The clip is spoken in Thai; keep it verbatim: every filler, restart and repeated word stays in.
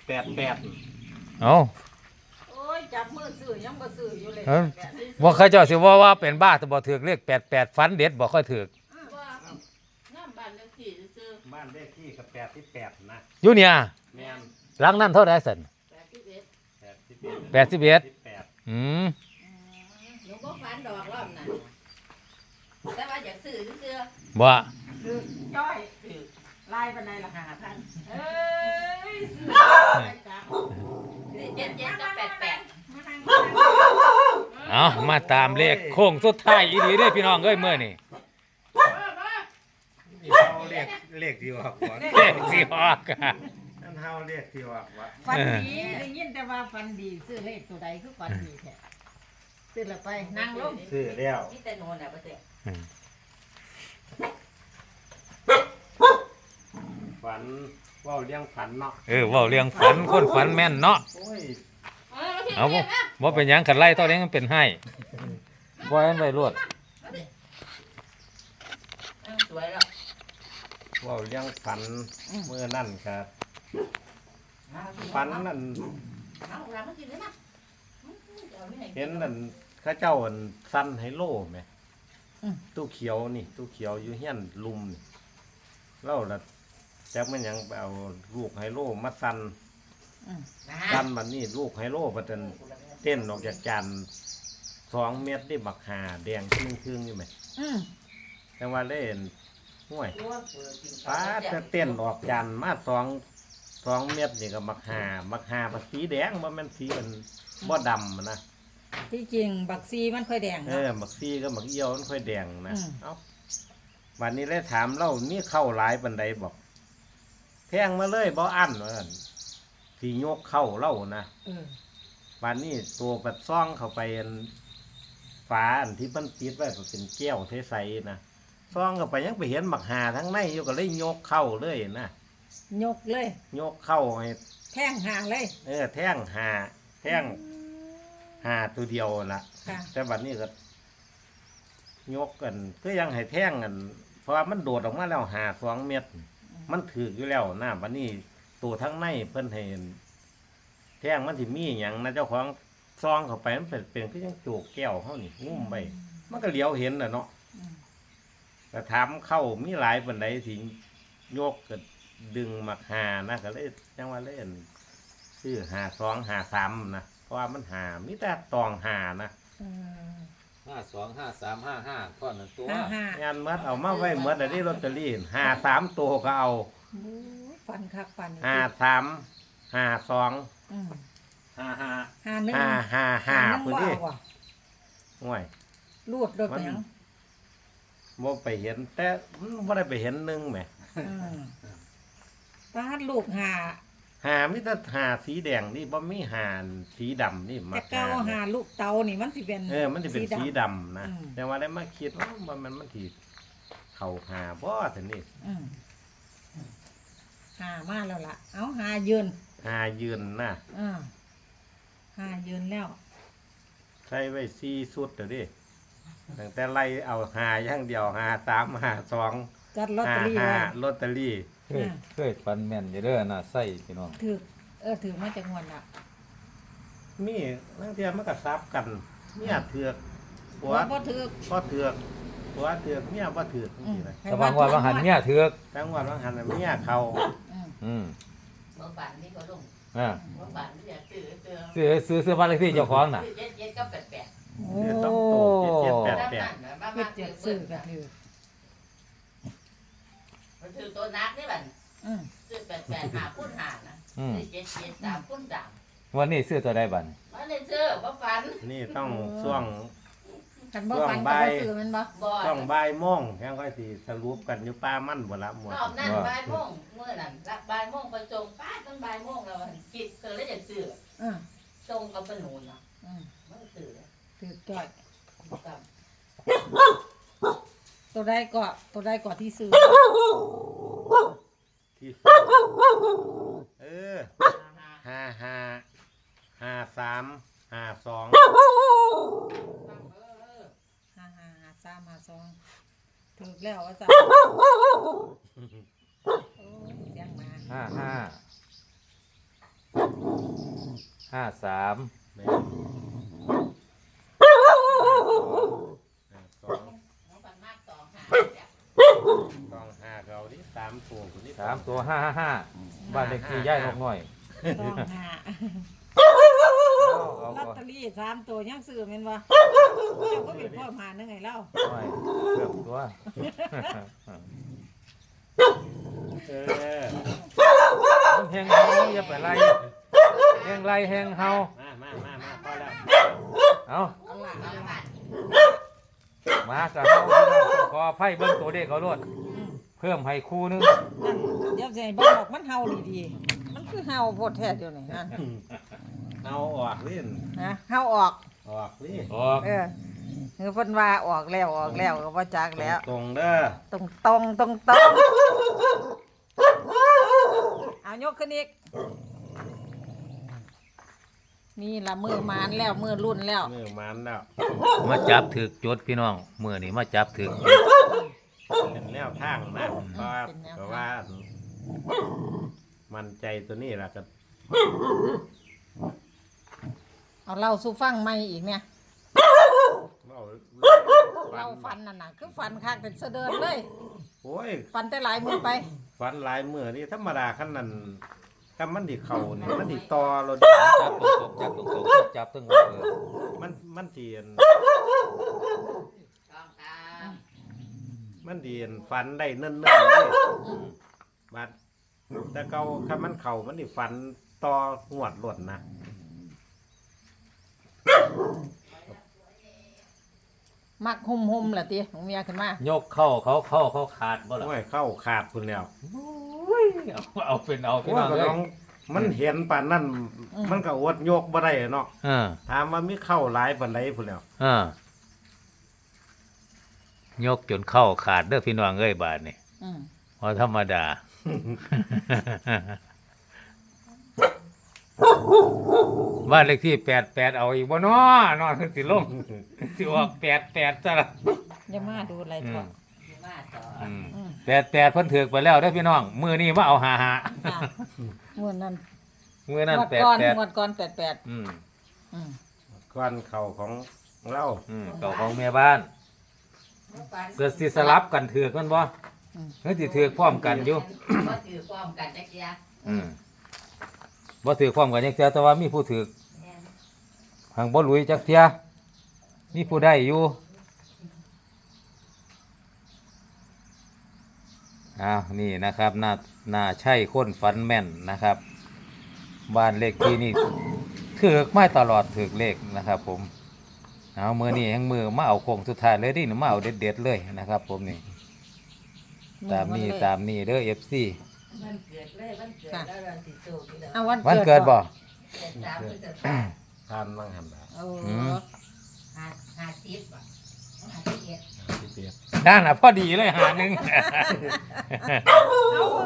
แปดแปดเอาโอ้ยจับมือซื้อยังบ่ซื้ออยู่เลยบ่เคยเจ้าสิว่าว่าเป็นบ้าแต่บ่ถือเลขแปดแปดฟันเด็ดบ่ค่อยถือน้ำบ้านเลขที่ซื้อบ้านเลขที่กับแปดที่แปดนะอยู่เนี่ยแม่นหลังนั้นเท่าไหร่สั่นแปดสิบเอ็ดแปดสิบเอ็ดแปดสิบเอ็ดอืมหนูบ่ฝันดอกรอบน่ะแต่ว่าอยากซื้อซื้อบ่คือจ้อยคือลายปานใดล่ะห้าพันเอ้ยซื้อเจ็ดเจ็ดกับแปดแปดเอามาตามเลขโค้งสุดท้ายอีหลีเด้อพี่น้องเอ้ยมื้อนี้นี่เขาเรียกเลขที่ออกก่อนเลขสิออกอ่ะนั่นเฮาเรียกที่ออกว่าฝันดีได้ยินแต่ว่าฝันดีซื้อเลขตัวใดคือฝันดีแท้ซื้อแล้วไปนั่งลงซื้อแล้วนี่แต่โน่นน่ะบ่เสียฝันว่าเลี้ยงฝันเนาะเออเว้าเรื่องฝันคนฝันแม่นเนาะโอ้ยเอาบ่บ่เป็นหยังคันไล่เท่านี้มันเป็นให้บ่ให้มันไปรวดสวยแล้วว่าเลี้ยงฝันเมื่อนั่นครับฝันนั่นเห็นนั่นข้าเจ้าอันสั้นไฮโลไหมตู้เขียวนี่ตู้เขียวอยู่เฮียนลุมนี่เล่าละแจ็คมันยังเอาลูกไฮโลมาสั้นสั้นมันนี่ลูกไฮโลมันเป็นเต้นออกจากจานสองเม็ดได้บักหาแดงครึ่งครึ่งนี่ไหมแต่ว่าเล่นห่วยป้าจะเต้นออกจานมาสองสองเม็ดนี่ก็บักหาบักหาบักสีแดงว่ามันสีมันบ่ดำนะที่จริงบักซีมันค่อยแดงเออบักซีก็บักเอี้ยวมันค่อยแดงนะเอ้าวันนี้เลยถามเล่านี่เข้าหลายปันใดบอกแทงมาเลยบ่อั้นว่าสีโยกเข้าเล่านะวันนี้ตัวปัดซ่องเข้าไปฝาอันที่มันปิดไว้เป็นแก้วใสๆนะซ่องเข้าไปยังไปเห็นบักหาทั้งในอยู่ก็เลยโยกเข้าเลยนะยกเลยโยกเข้าให้แท่งหาเลยเออแท่งหาแท่งหาตัวเดียวละแต่บัดนี้ก็ยกกันก็ยังให้แท่งกันเพราะว่ามันโดดออกมาแล้วหาสองเม็ดมันถืออยู่แล้วนะบัดนี้ตัวทั้งในเพิ่นเห็นแท่งมันที่มีอย่างนะเจ้าของซองเข้าไปมันเป็นเป็นก็ยังโจกแก้วเขานี่งุ้มไปมันก็เหลียวเห็นน่ะเนาะแต่ถามเข้ามีหลายปันใดที่ยกก็ดึงมาหานะก็เลยยังว่าเล่นชื่อหาสองหาสามนะเพราะว่ามันหามิแต่ตองหานะห้าสองห้าสามห้าห้าก้อนหนึ่งตัวงานมัดเอามาไว้มัดอันนี้ลอตเตอรี่หาสามตัวก็เอาฟันคักฟันหาสามหาสองห้าห้าห้าหนึ่งห้าห้าห้าพื้นที่ห่วยรูดโดดไปยังบ่ไปเห็นแต่บ่ได้ไปเห็นหนึ่งไหมป้าลูกหาหามิตรหาสีแดงนี่บ่มีหาสีดำนี่มาแต่เก้าหาลูกเตานี่มันสิเป็นเออมันสิเป็นสีดำนะแต่ว่าได้มาคิดว่ามันมันสิเข่าหาบ่ถึงนี่หามาแล้วล่ะเอาหายืนหายืนนะหายืนแล้วใช้ไว้สี่สุดเดี๋ยวดิตั้งแต่ไล่เอาหาอย่างเดียวหาสามหาสองจัดลอตเตอรี่หาลอตเตอรี่เคยเคยฟันแม่นอยู่เด้อน่ะไส้พี่น้องถือเออถือมาจากงวดน่ะมีนั่งเทียมมันก็ซับกันเมียเถือกหัวบ่ถือบ่เถือกหัวเถือกเมียบ่เถือกนี่เลยแต่บางวันบางหันเมียเถือกแต่บางวันบางหันเมียเขาอืมบ่ฝันนี่ก็ลงอ่าบ่ฝันอยากซื้อซื้อซื้อซื้อบ้านเลขที่เจ้าของน่ะเจ็ดเจ็ดกับแปดแปดโอ้สองโตเจ็ดแปดแปดเจ็ดเจ็ดซื้อก็ถือมันถือตัวนักนี่บัดซื้อแปดแปดหาพุ่นหานะซื้อเจ็ดเจ็ดสามพุ่นสามวันนี้ซื้อตัวใดบัดวันนี้ซื้อบ่ฝันนี่ต้องช่วงกันบ่ฝันก็บ่ซื้อมันบ่ต้องบ่ายโมงแค่ค่อยสิสรุปกันอยู่ป้ามั่นบ่ละหมดรอบนั้นบ่ายโมงเมื่อนั้นบ่ายโมงไปจงป้าตั้งบ่ายโมงแล้วคิดเกิดแล้วอยากซื้ออือจงกับปนูนเนาะอือมันซื้อซื้อจ้อยตัวใดก็ตัวใดก็ที่ซื้อที่เออห้าห้าห้าสามห้าสองห้าห้าห้าสามห้าสองถูกแล้วว่าจ้ะโอ้เสียงมาห้าห้าห้าสามแม่นห้าสองน้องปันมากสองหาจ้ะต้องห้าเราดิสามตัวคนนี้สามตัวห้าห้าห้าบ้านเลขที่ย่ายนกน้อยต้องหาเอาลอตเอาเตอรี่สามตัวยังซื้อแม่นบ่เจ้าก็เป็นพ่อหานึงไงเล่าไม่เพิ่มตัวเออมันแหงเฮาอย่าไปไล่แหงไล่แหงเฮามามามามาพอแล้วเอาเอาล่ะเอาเอาละล่ะมากับเฮาพี่น้องขอไพ่เบิ้งตัวเด็กเขาโลดอืมเพิ่มให้คู่หนึงนั่นเดี๋ยวสิให้เบิ่งบอกมันเฮาดีๆมันคือเฮาโพดแท้เดี๋ยวนี้นั่นเอาออกเล่นนะเฮาออกออกนี่ออกเออคือเพิ่นว่าออกแล้วออกแล้วก็บ่จักแล้วตรงๆเด้อตรงตรงตรงตรงเอายกขึ้นอีกนี่ละมือมานแล้วมือรุ่นแล้วมือมันแล้วมาจับถือกจดพี่น้องมื้อนี้มาจับถือกจดเป็นแนวทางนะเพราะว่าเพราะว่า มันใจตัวนี้ล่ะก็เอาเล่าสู่ฟังใหม่อีกเนี่ยเว้าเราฟันน่ะนะคือฟันคักแต่เสะเดินเลยโอ้ยฟันแต่หลายมือไปฟันหลายมือนี่ธรรมดาขั้นนั้นถ้ามันดิเข่านี่มันดิตอเราจับตรงๆจับตรงๆจับตึงเออมันมันเตียนต้องตามมันเตียนฟันได้เนิ่นๆนี่บัดแต่เก่าถ้ามันเข่ามันดิฟันต่อหวดหล่นนะมักหุ่มหุ่มๆล่ะติของเมียขึ้นมายกเข้าเขาเข้าเขาขาดบ่ล่ะโอ้ยเข้าขาดคุณแล้วเอาเอาเป็นเอาพี่โอ้น้ยองก็เอ้น้อย งมันเห็นป่านนั้นมันก็อดโยกบ่ได้เนาะเออถามว่ามีเข้าหลายปานใดพุ่นแล้วเออยกจนเข้าขาดเด้อพี่น้องเอ้ยบาดนี่อืมพอธรรมดา บ้านเลขที่แปดแปดเอาอีกบ่น้อนอนสิลงสิออกแปดแปดซะละอย่ามาดูอะไรอืทั่วมอยู่มาต่ออืมอืมแปดแปดเพิ่นถือกไปแล้วเด้อพี่น้องมือนี้มาเอาหาหาจ้ะงวดนั้นมือนั้นงวดแปดก่อนแปดงวดก่อนแปดแปดอืมอืมก้อนเข่าของเราอืมเก่าของแม่บ้านเกิดสิสลับกันถือกมันบ่อืมเฮ้ยสิถือกพร้อมกันอยู่ก็ถือความกันจักยาอืมบ่ถือกพร้อมกันจักเทื่อแต่ว่ามีผู้ถือกแม่นหังบ่หลุยจักเที่ยมีผู้ได้อยู่อ้าวนี่นะครับน่าน่าใช่คนฝันแม่นนะครับ บ้านเลขที่นี่ถือกไม่ตลอดถือกเลขนะครับผมเอามือนี่ยังมือมาเอาโค้งสุดท้ายเลยดิหนูมาเอาเด็ดๆเลยนะครับ ผมนี่ตามนี้ตามนี้เด้อ เอฟ ซีมันเกิดเลยมันเกิดแล้วเราสิสู้กันแล้วเอาวันวันเกิดบ่เกิดสามพฤษภาทานมั่งหันละโอ้อืมห้าห้าสิบอ่ะห้าสิบเอ็ดที่เปียกด้านน่ะพอดีเลยหาหนึ่งเอา